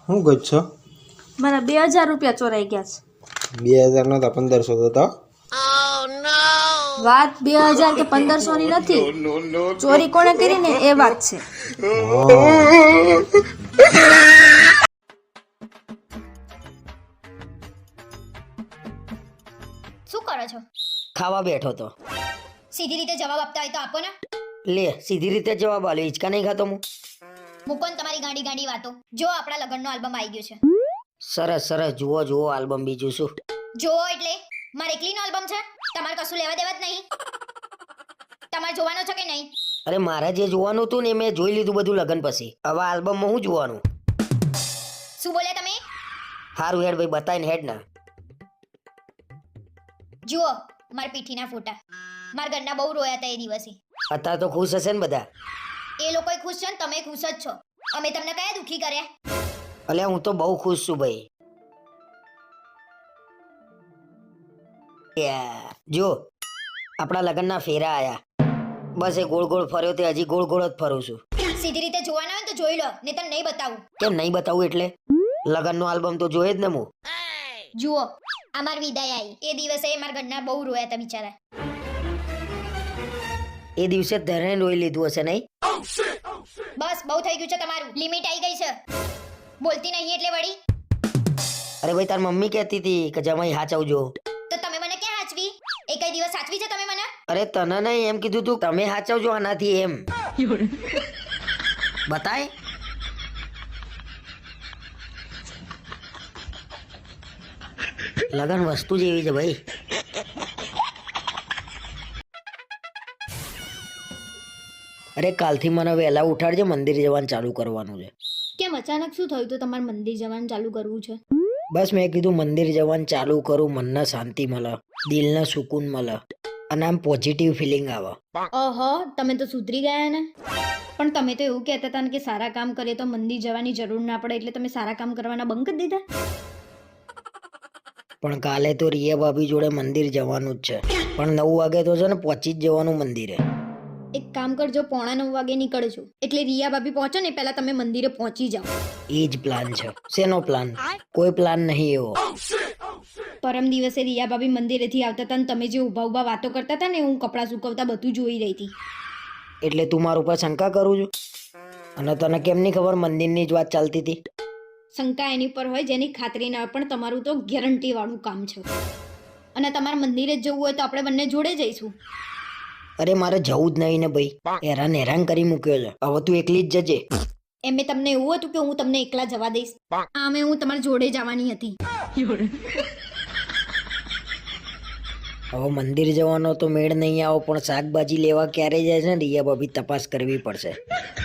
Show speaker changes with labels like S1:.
S1: શું ગજ છો?
S2: મારા 2000 રૂપિયા ચોરાઈ ગયા છે.
S1: 2000 નો તો 1500 તો
S2: વાત 2000 કે 1500 ની નથી. ચોરી કોણે કરી ને એ વાત છે.
S3: શું કરો છો?
S4: ખાવા બેઠો તો.
S3: સીધી રીતે જવાબ આપતા હોય તો આપો ને.
S4: લે સીધી રીતે જવાબ આલ્યો. હિંચકા નહીં ખાતો હું.
S3: મૂકો ને તમારી ગાંડી ગાંડી વાતો. જો આપણા લગ્નનો આલ્બમ આવી ગયો છે.
S4: સરસ સરસ, જુઓ જુઓ આલ્બમ. બીજું શું?
S3: જો એટલે મારે એકલીનો આલ્બમ છે. તમારે કશું લેવા દેવા જ નહીં. તમારે જોવાનો છે કે નહીં?
S4: અરે મારે જે જોવાનું હતું ને મેં જોઈ લીધું બધું લગન પછી. હવે આલ્બમમાં શું જોવાનું?
S3: શું બોલ્યા તમે?
S4: હારું હેડ ભાઈ, બતાવીને હેડ ના.
S3: જુઓ મારા પીઠીના ફોટા. મારા ઘરના બહુ રોયા હતા એ દિવસે.
S4: અત્યારે તો ખુશ હશે ને બધા?
S3: એ લોકોય ખુશ છે ને તમે ખુશ જ છો. અમે તમને કયા દુખી કર્યા?
S4: અલ્યા હું તો બહુ ખુશ છું ભાઈ. જો આપણા લગ્નના ફેરા આયા. બસ એ ગોળ ગોળ ફર્યો તે હજી ગોળ ગોળ જ ફરું છું.
S3: સીધી રીતે જોવાના હોય તો જોઈ લો, નહીં તો નહીં બતાવું.
S4: કેમ નહીં બતાવું એટલે? લગ્નનો આલ્બમ તો જોઈએ જ ને હું.
S3: જુઓ આ મારી વિદાય આવી. એ દિવસે મારા ઘરના બહુ રોયા હતા બિચારા.
S4: એ દિવસે ધરે રોઈ લીધું હશે નહીં?
S3: બસ બહુ થઈ ગયું છે તમારું. લિમિટ આવી ગઈ છે. બોલતી નહીં એટલે વળી.
S4: અરે ભાઈ તાર મમ્મી કહેતી હતી કે જમાઈ હાચવજો.
S3: તો તમે મને ક્યાં હાચવી? એક દિવસ સાચવી છે તમે મને?
S4: અરે તને નહીં, એમ કીધું તું તમે હાચવજો આનાથી એમ. બતાય. લગન વસ્તુ જ એવી છે ભાઈ. અરે કાલથી મને વહેલા ઉઠાડજે, મંદિર જવાનું ચાલુ કરવાનું છે.
S2: કેમ અચાનક શું થયું તો તમારે મંદિર જવાનું ચાલુ કરવું છે?
S4: બસ મેં કીધું મંદિર જવાનું ચાલુ કરું, મનને શાંતિ મળે, દિલને સુકૂન મળે અને આમ પોઝિટિવ ફિલિંગ આવે.
S2: ઓહો, તમે તો સુધરી ગયા ને. પણ તમે તો એવું કહેતા હતા ને કે સારા કામ કરીએ તો મંદિર જવાની જરૂર ના પડે, એટલે તમે સારા કામ કરવાના બંધ કરી દીધા.
S4: પણ કાલે તો રિયા ભાભી જોડે મંદિર જવાનું જ છે, પણ 9 વાગે તો છે ને પહોંચી જ જવાનું મંદિરે.
S2: એક કામ કરજો, 8:45 વાગે નીકળજો, એટલે રિયા ભાભી પહોંચો ને પહેલા તમે મંદિરે પહોંચી જાઓ.
S4: એ જ પ્લાન છે. શેનો પ્લાન? કોઈ પ્લાન નહીં એવો.
S2: પરમ દિવસે રિયા ભાભી મંદિરેથી આવતા હતા ને તમે જે ઊભા ઊભા વાતો કરતા હતા ને, હું કપડાં સુકવતા બધું જોઈ રહી હતી.
S4: એટલે તું મારા ઉપર શંકા કરું છું? અને તને કેમ નહીં ખબર મંદિરની જ વાત ચાલતી હતી?
S2: શંકા એની પર હોય જેની ખાતરી ના હોય, પણ તમારું તો ગેરંટી વાળું કામ છે. અને તમારે મંદિરે જ જવું હોય તો આપણે બંને જોડે જઈશું.
S4: અરે મારે જવું જ નહીં ને ભાઈ, હેરાન કરી મૂક્યો છે. હવે તું એકલી જ જજે.
S2: એમે તમને એવું હતું કે હું તમને એકલા જવા દઈશ? આમે હું તમારી જોડે જવાની હતી.
S4: હવે મંદિર જવાનો તો મેળ નહીં આવો, પણ શાકભાજી લેવા ક્યારે જાય છે ને રિયા ભાભી તપાસ કરવી પડશે.